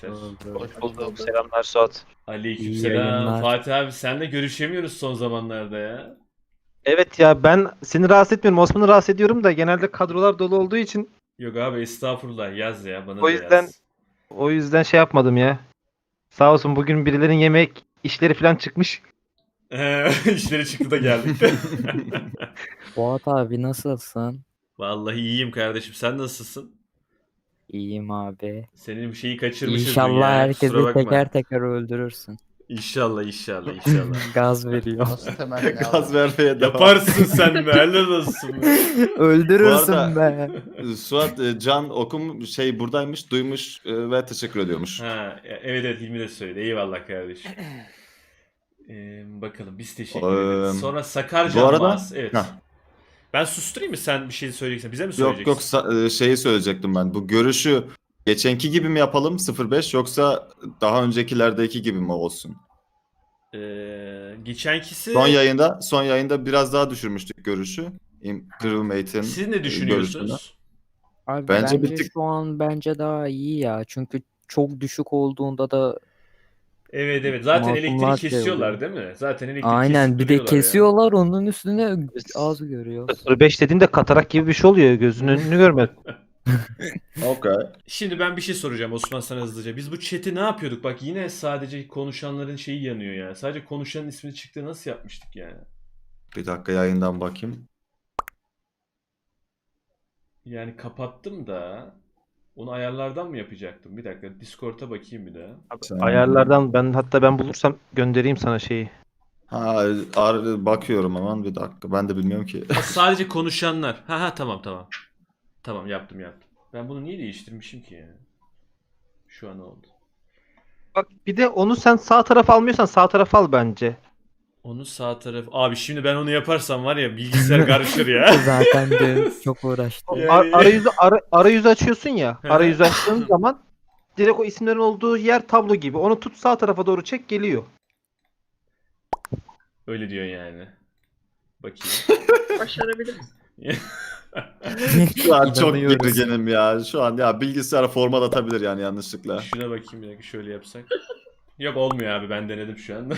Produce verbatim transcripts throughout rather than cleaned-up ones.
arkadaşlar. Oldu. Hoş bulduk. Selamlar Suat. Aleyküm İyi selam. yayınlar. Fatih abi senle görüşemiyoruz son zamanlarda ya. Evet ya ben seni rahatsız etmiyorum. Osman'ı rahatsız ediyorum da genelde kadrolar dolu olduğu için Yok abi estağfurullah yaz ya bana o da yüzden yaz. o yüzden şey yapmadım ya. Sağ olsun bugün birilerin yemek işleri falan çıkmış. İşleri çıktı da geldik. Fuat abi nasılsın? Vallahi iyiyim kardeşim sen nasılsın? İyiyim abi. Senin bir şeyi kaçırmışız İnşallah dünyaya kusura herkesi bakma. teker teker öldürürsün. İnşallah inşallah inşallah. Gaz veriyor. Nasıl temenni Gaz abi? vermeye devam. Yaparsın sen be helal olsun be. Öldürürsün Bu arada- be. Suat e, Can okum şey buradaymış, duymuş e, ve teşekkür ediyormuş. Ha, e- evet evet Hilmi de söyledi eyvallah kardeşim. Ee, bakalım biz teşekkür Eee, ederiz. Sonra Sakar bu arada- Canbaz. Evet. Heh. Ben susturayım mı sen bir şey söyleyeceksin? Bize mi Yok söyleyeceksin? yok sa- e, şeyi söyleyecektim ben. Bu görüşü geçenki gibi mi yapalım sıfır beş yoksa daha öncekilerdeki gibi mi olsun? Ee, geçenkisi Son yayında son yayında biraz daha düşürmüştük görüşü. İm- Crewmate'in siz ne görüşünü. düşünüyorsunuz? Abi Bence bence, bir tık- şu an bence daha iyi ya. Çünkü çok düşük olduğunda da Evet evet zaten Masumlar elektrik şey kesiyorlar oluyor. değil mi? Zaten elektrik aynen kesip bir de duruyorlar yani. kesiyorlar onun üstüne az görüyoruz. sıfır beş dediğinde katarak gibi bir şey oluyor. Gözünün önünü görmedim. Okay. Şimdi ben bir şey soracağım Osman sana hızlıca. Biz bu chat'i ne yapıyorduk? Bak yine sadece konuşanların şeyi yanıyor ya. Sadece konuşanın ismini çıktı nasıl yapmıştık yani? Bir dakika yayından bakayım. Yani kapattım da onu ayarlardan mı yapacaktım? Bir dakika Discord'a bakayım bir daha. Sen- Ayarlardan ben hatta ben bulursam göndereyim sana şeyi. Ha ar- bakıyorum hemen bir dakika. Ben de bilmiyorum ki. Ha, sadece konuşanlar. Ha ha tamam tamam. Tamam yaptım yaptım. Ben bunu niye değiştirmişim ki ya? Şu an oldu. Bak bir de onu sen sağ tarafa almıyorsan sağ tarafa al bence. Onu sağ taraf... Abi şimdi ben onu yaparsam var ya bilgisayar karışır ya. Zaten de çok uğraştım. Yani- Ar- arayüzü ara- arayüzü açıyorsun ya. Hı hı. Arayüzü açtığın zaman direkt o isimlerin olduğu yer tablo gibi. Onu tut sağ tarafa doğru çek geliyor. Öyle diyor yani. Bakayım. Başarabiliriz. Şu an çok İnanıyoruz. gerginim ya. Şu an ya bilgisayar format atabilir yani yanlışlıkla. Şuna bakayım bir dakika şöyle yapsak. Yok olmuyor abi ben denedim şu anda.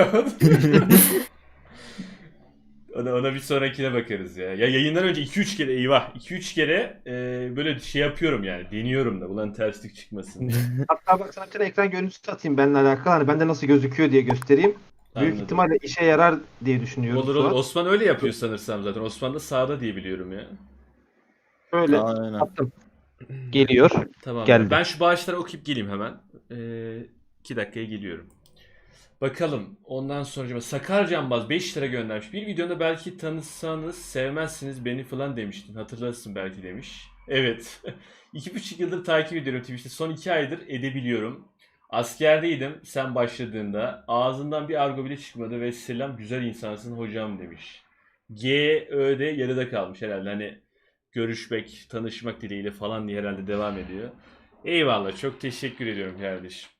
ona, ona bir sonrakine bakarız ya. Ya yayından önce iki üç kere eyvah iki üç kere e, böyle şey yapıyorum yani. Deniyorum da ulan terslik çıkmasın diye. Hatta bak sana bir tane ekran görüntüsü atayım benimle alakalı. Hani bende nasıl gözüküyor diye göstereyim. Büyük Anladım. ihtimalle işe yarar diye düşünüyorum. Olur olur. Suat. Osman öyle yapıyor sanırsam zaten. Osman da sağda diye biliyorum ya. Böyle Aynen. attım. Geliyor. Tamam. Geldi. Ben şu bağışları okuyup geleyim hemen. Ee, iki dakikaya geliyorum. Bakalım. Ondan sonra Sakar Canbaz beş lira göndermiş. Bir videoda belki tanısanız sevmezsiniz beni falan demiştin. Hatırlarsın belki demiş. Evet. iki buçuk yıldır takip ediyorum Twitch'te. Son iki aydır edebiliyorum. Askerdeydim sen başladığında. Ağzından bir argo bile çıkmadı ve selam güzel insansın hocam demiş. G, Ö'de yarıda kalmış herhalde. Hani görüşmek, tanışmak dileğiyle falan diye herhalde devam ediyor. Eyvallah. Çok teşekkür ediyorum kardeşim.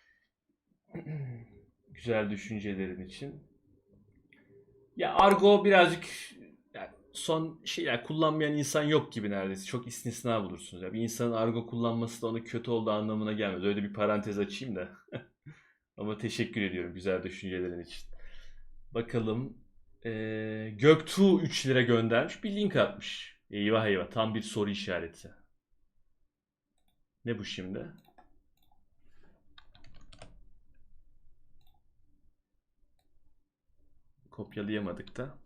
Güzel düşüncelerin için. Ya argo birazcık yani son şeyler kullanmayan insan yok gibi neredeyse. Çok istisna bulursunuz. Ya bir insanın argo kullanması da onun kötü olduğu anlamına gelmez. Öyle bir parantez açayım da. Ama teşekkür ediyorum güzel düşüncelerin için. Bakalım. Ee, Göktuğ üç lira göndermiş. Bir link atmış. Eyvah eyvah. Tam bir soru işareti. Ne bu şimdi? Kopyalayamadık da.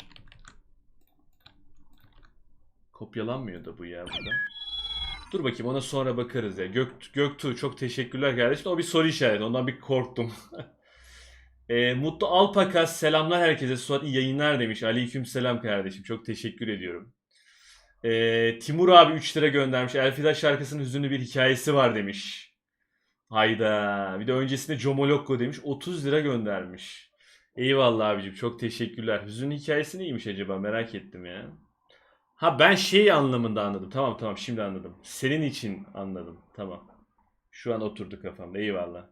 Kopyalanmıyor da bu ya burada. Dur bakayım ona sonra bakarız ya. Gök, Göktuğ çok teşekkürler kardeşim. O bir soru işareti. Ondan bir korktum. e, Mutlu Alpakas selamlar herkese. Suat iyi yayınlar demiş. Aleyküm selam kardeşim. Çok teşekkür ediyorum. E, Timur abi üç lira göndermiş. Elfida şarkısının hüzünlü bir hikayesi var demiş. Hayda. Bir de öncesinde Comolokko demiş. otuz lira göndermiş. Eyvallah abicim. Çok teşekkürler. Hüzünlü hikayesi neymiş acaba? Merak ettim ya. Ha ben şey anlamında anladım. Tamam tamam şimdi anladım. Senin için anladım. Tamam. Şu an oturdu kafamda. Eyvallah.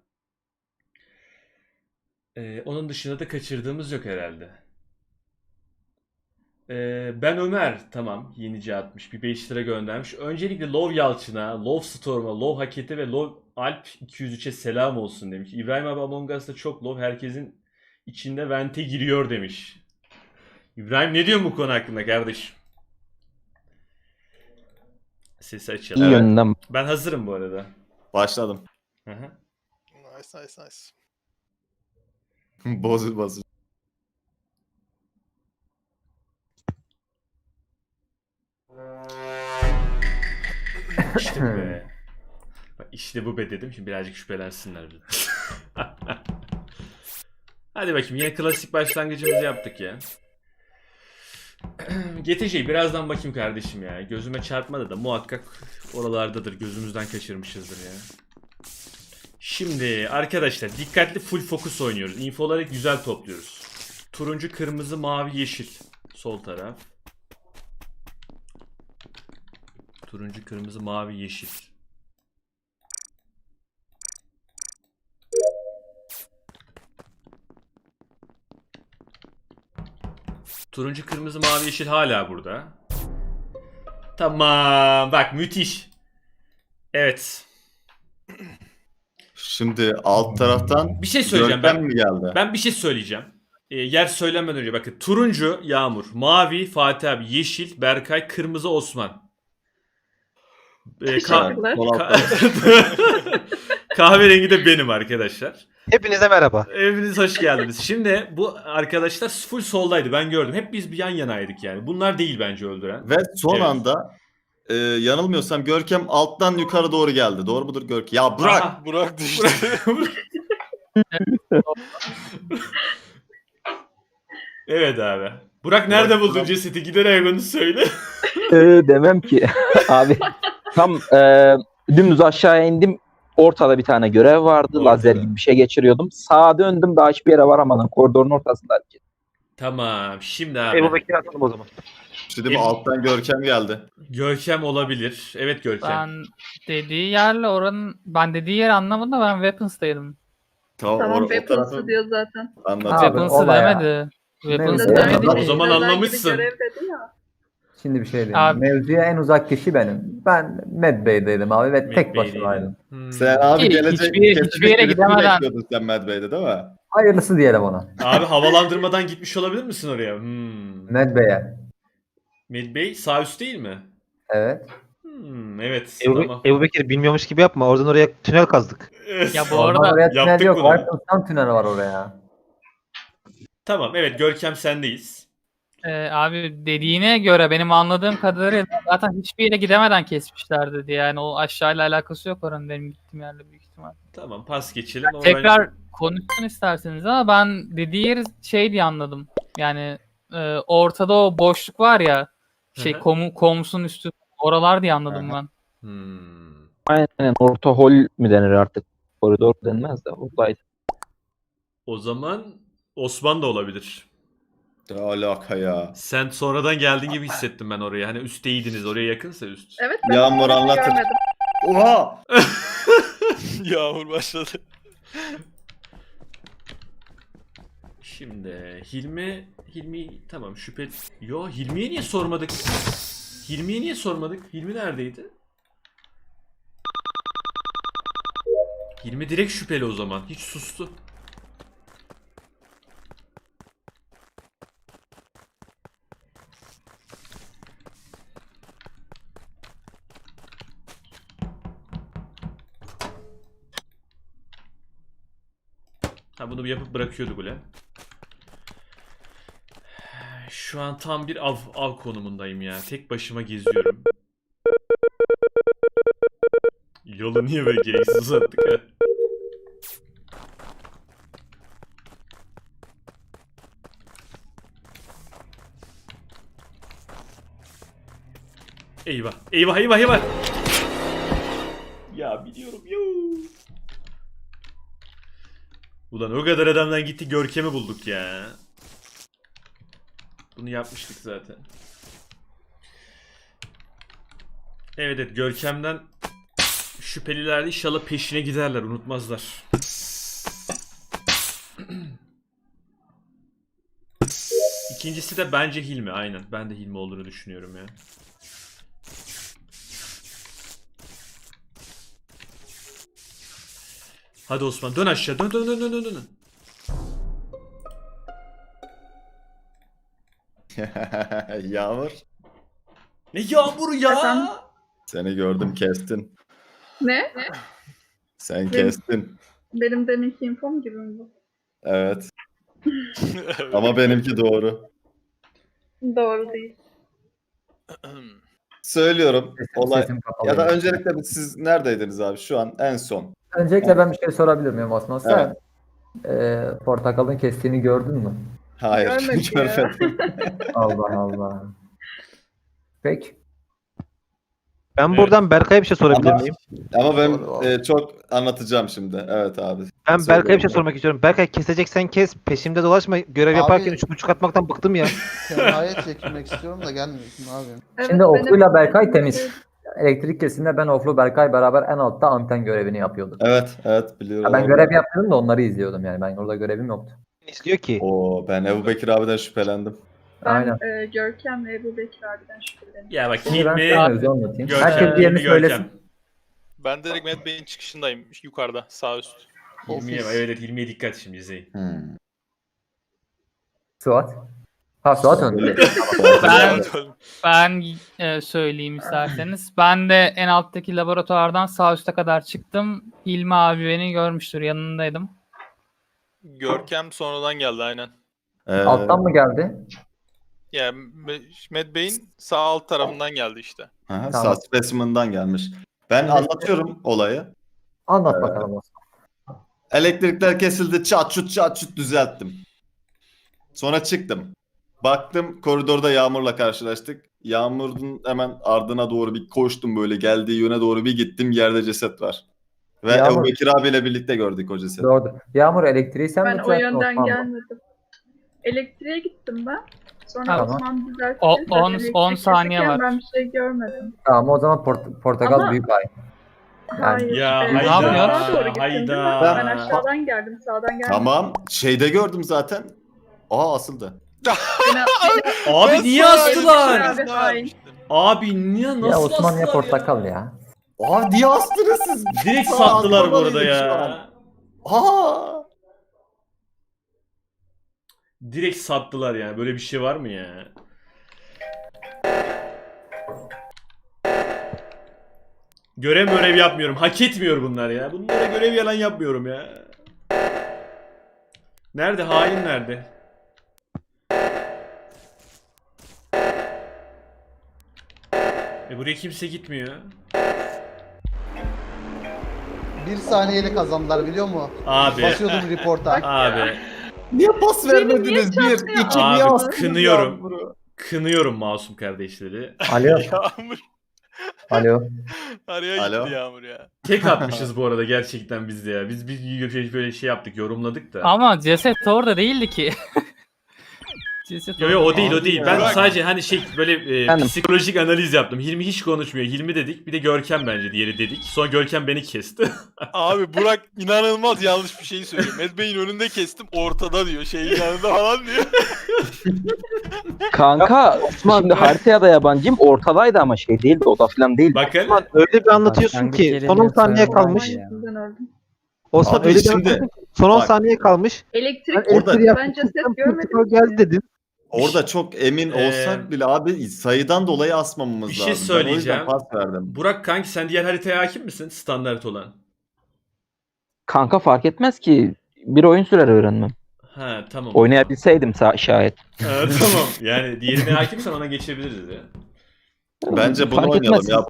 Ee, onun dışında da kaçırdığımız yok herhalde. Ee, ben Ömer. Tamam. Yenice atmış. Bir beş lira göndermiş. Öncelikle Love Yalçın'a, Love Storm'a, Love Haket'e ve Love Alp iki yüz üçe selam olsun demiş. İbrahim abi Among Us'ta çok low. Herkesin içinde vente giriyor demiş. İbrahim ne diyorsun bu konu hakkında kardeşim? Sesi İyi açalım. yönünden. Ben hazırım bu arada. Başladım. Hı hı. Nice nice nice. Bozul bozul. İşte bu be. Bak işte bu be dedim. Şimdi birazcık şüphelensinler. bir. Hadi bakayım. Yine klasik başlangıcımızı yaptık ya. G T C'yi birazdan bakayım kardeşim ya. Gözüme çarpmadı da muhakkak oralardadır. Gözümüzden kaçırmışızdır ya. Şimdi arkadaşlar dikkatli full fokus oynuyoruz. Infoları güzel topluyoruz. Turuncu, kırmızı, mavi, yeşil. Sol taraf. Turuncu, kırmızı, mavi, yeşil. Turuncu, kırmızı, mavi, yeşil hala burada. Tamam. Bak müthiş. Evet. Şimdi alt taraftan Bir şey söyleyeceğim Görkem ben. mi geldi? Ben bir şey söyleyeceğim. Ee, yer söylemeden önce bakın. Turuncu Yağmur, mavi Fatih abi, yeşil Berkay, kırmızı Osman. Ee, ka- Teşekkürler. Sol altta. ka- Kahverengi de benim arkadaşlar. Hepinize merhaba. Eviniz hoş geldiniz. Şimdi bu arkadaşlar full soldaydı, ben gördüm. Hep biz bir yan yanaydık yani. Bunlar değil bence öldüren. Ve son Evet. anda e, yanılmıyorsam Görkem alttan yukarı doğru geldi. Doğru mudur Görkem? Ya bırak. Aha. Burak düştü. Evet abi. Burak nerede buldun cesedi? Giderek onu söyle. Ee, demem ki. Abi tam e, dümdüz aşağıya indim. Ortada bir tane görev vardı. Ortada. Lazer gibi bir şey geçiriyordum. Sağa döndüm, daha hiçbir yere varamadım. Koridorun ortasında hareket. Tamam. Şimdi abi. Ebu Bekir'i atalım o zaman. Şimdi bu alttan Görkem geldi. Görkem olabilir. Evet Görkem. Ben dediği yerle oranın ben dediği yeri anlamadım da ben Weapons'taydım. Tamam, Tamam or- o Weapons'ı tarafı diyor zaten. anlatayım. Abi, Weapons'ı olay ya. demedi. Weapons'ı Neyse. demedi O ki. zaman Lazer gibi anlamışsın. görev dedi ya. Şimdi bir şey diyeyim. Abi- Mevzuya en uzak kişi benim. Ben Medbay'deydim abi ve tek Medbay'deydin. başımaydım. Hmm. Sen abi Ki gelecek hiçbir- hiçbir kesinlikle yere birisini gidemeden- bekliyordun sen Medbay'de değil mi? Hayırlısı diyelim ona. Abi havalandırmadan gitmiş olabilir misin oraya? Hmm. Medbay'e. Medbay sağ üst değil mi? Evet. Hmm, evet. Ebu, Tamam. Ebu Bekir bilmiyormuş gibi yapma. Oradan oraya tünel kazdık. Ya bu Oradan arada oraya tünel yaptık yok. bunu. Whitehouse'dan tünel var oraya. Tamam evet Görkem sendeyiz. e, abi dediğine göre benim anladığım kadarıyla zaten hiçbir yere gidemeden kesmişler dedi. Yani o aşağıyla alakası yok oranın benim gittiğim yerle büyük ihtimal. Tamam pas geçelim. Ama Tekrar konuşsun isterseniz ama ben dediği yeri şey diye anladım. Yani e, ortada o boşluk var ya, şey Hı hı. komu, komusun üstü oralar diye anladım Hı hı. ben. Hmm. Aynen, orta hol mi denir artık? Koridor denmez de oradaydı. O zaman Osman da olabilir. Ne alaka ya? Sen sonradan geldiğin gibi hissettim ben oraya. Hani üstteydiniz. Oraya yakınsa üst. Evet ben Yağmur onu anlatır. görmedim. Oha! Yağmur başladı. Şimdi Hilmi Hilmi tamam şüphe. Yo Hilmi'ye niye sormadık? Hilmi'ye niye sormadık? Hilmi neredeydi? Hilmi direkt şüpheli o zaman. Hiç sustu. Ha bunu bir yapıp bırakıyorduk ulan. Şu an tam bir av, av konumundayım ya. Tek başıma geziyorum. Yolu niye böyle gereksiz uzattık ha? Eyvah. Eyvah eyvah eyvah. Ya biliyorum yo. Ulan o kadar adamdan gitti Görkem'i bulduk ya. Bunu yapmıştık zaten. Evet evet Görkem'den şüpheliler inşallah peşine giderler, unutmazlar. İkincisi de bence Hilmi, aynen. Ben de Hilmi olduğunu düşünüyorum ya. Hadi Osman dön aşağı. Dön dön dön dön dön. dön. Yağmur. Ne yağmuru ya? Efendim? Seni gördüm kestin. Ne? Sen kestin. Benim deminki infom gibi mi bu? Evet. Ama benimki doğru. Doğru değil. Söylüyorum. Sesim, Olay. sesim kapalı. Ya da öncelikle bir siz neredeydiniz abi şu an en son? Öncelikle ben bir şey sorabilir miyim Osman? Sen Evet. e, portakalın kestiğini gördün mü? Hayır. Görmedim ya. Görmedim. Allah Allah. Peki. Ben Evet. buradan Berkay'a bir şey sorabilir Ama- miyim? Ama ben Doğru, doğru. e, çok anlatacağım şimdi. Evet abi. Ben Berkay'a bir şey Söyle. sormak istiyorum. Berkay keseceksen kes. Peşimde dolaşma. Görev Abi- yaparken üç buçuk atmaktan bıktım ya. Kenaya çekilmek istiyorum da gelmiyorsun abi. Evet, Şimdi Oflu'yla benim- Berkay temiz. Elektrik kesiminde ben Oflu Berkay beraber en altta anten görevini yapıyorduk. Evet, evet biliyorum. Ya ben görev yapıyordum da onları izliyordum yani. Ben orada görevim yoktu. İstiyor ki. Oo, ben Ebu Bekir abiden şüphelendim. Ben Aynen. e, Görkem ve Ebu Bekir abiden şüpheleniyorum. Ya bak Şimdi ben Hilmi, sana mevzu anlatayım. Görkem, Herkes Hilmi, diğerini Görkem. söylesin. Ben direkt Mad Bey'in çıkışındayım. Yukarıda. Sağ üst. Hilmi'ye Ofis. evet Hilmi'ye dikkat şimdi izleyin. Hmm. Suat. Ha Suat önde. Ben ben e, söyleyeyim isterseniz. Ben de en alttaki laboratuvardan sağ üste kadar çıktım. Hilmi abi beni görmüştür. Yanındaydım. Görkem sonradan geldi aynen. Ee, Alttan mı geldi? Yani Mad Bey'in sağ alt tarafından geldi işte. aha, Tamam. sağ specimen'dan gelmiş. Ben anlatıyorum olayı. Anlat bakalım Osman. Elektrikler kesildi. Çat çut çat çut düzelttim. Sonra çıktım. Baktım koridorda Yağmur'la karşılaştık. Yağmur'un hemen ardına doğru bir koştum böyle. Geldiği yöne doğru bir gittim. Yerde ceset var. Ve Yağmur- Ebu Bekir abiyle birlikte gördük o cesedi. Doğru. Yağmur elektriği sen mi Ben o düzelttin, yönden Osman mı? gelmedim. Elektriğe gittim ben. Sonra Tamam. Osman düzeltti. O- Zaten on- elektrik on saniye keserken var. Ben bir şey görmedim. Tamam o zaman port- portakal Ama- büyük ay. Hayır. Ya e, hayda, aşağıdan doğru gittim değil mi? hayda. Ben aşağıdan geldim. Sağdan geldim. Tamam. Şeyde gördüm zaten. Aa asıldı. Beni, Abi Ben niye sana astılar? Abi, elbisesini hain. vermiştim. Abi niye nasıl Ya Osman astılar ya portakal ya. Aa niye astınız siz? Direkt Aa, sattılar bu arada atlamalıydık şu ya. an. Aa. Direkt sattılar yani. Böyle bir şey var mı ya? Görev görev yapmıyorum. Hak etmiyor bunlar ya. Bunlara görev yalan yapmıyorum ya. Nerede? Hain nerede? E buraya kimse gitmiyor. Bir saniyeyle kazandılar biliyor musun? Abi. Basıyordum reporta. Abi. Niye pas Beni vermediniz? niye Bir, çarpıyor? iki, Abi, niye astınız kınıyorum. Yağmur'u? Kınıyorum masum kardeşleri. Alo. Yağmur. Alo. Araya Alo. gitti Yağmur ya. Tek atmışız bu arada gerçekten biz de ya. Biz bir böyle şey yaptık, yorumladık da. Ama ceset orada değildi ki. ceset Yo yo o değil o Abi değil. ya. Ben Bırak. sadece hani şey böyle e, Efendim? psikolojik analiz yaptım. Hilmi hiç konuşmuyor. Hilmi dedik. Bir de Görkem bence diğeri dedik. Sonra Görkem beni kesti. Abi Burak inanılmaz yanlış bir şey söylüyor. Mad Bey'in önünde kestim ortada diyor. Şeyin yanında falan diyor. Kanka şimdi haritaya da yabancıyım. Ortadaydı ama şey değildi. Oda falan değildi. Bakın. Osman öyle bir anlatıyorsun ki son on saniye kalmış. yüzünden öldüm. Osman Abi öyle bir şimdi- anlatıyorsun ki son on Bak. saniye kalmış. Elektrik Ben Orada- elektriği ben yaptım, ceset çıktım, görmedim. portakal geldi dedin. Orada çok emin Ee, olsak bile abi sayıdan dolayı asmamamız bir lazım. şey Ben o yüzden söyleyeceğim. pas verdim. Burak kanki sen diğer haritaya hakim misin? Standart olan. Kanka fark etmez ki. Bir oyun sürer öğrenmem. Ha tamam. Oynayabilseydim sa- şayet. Ha, tamam. Yani diğerine hakimsen ona geçebiliriz ya. Bence bunu Fark oynayalım etmez. ya.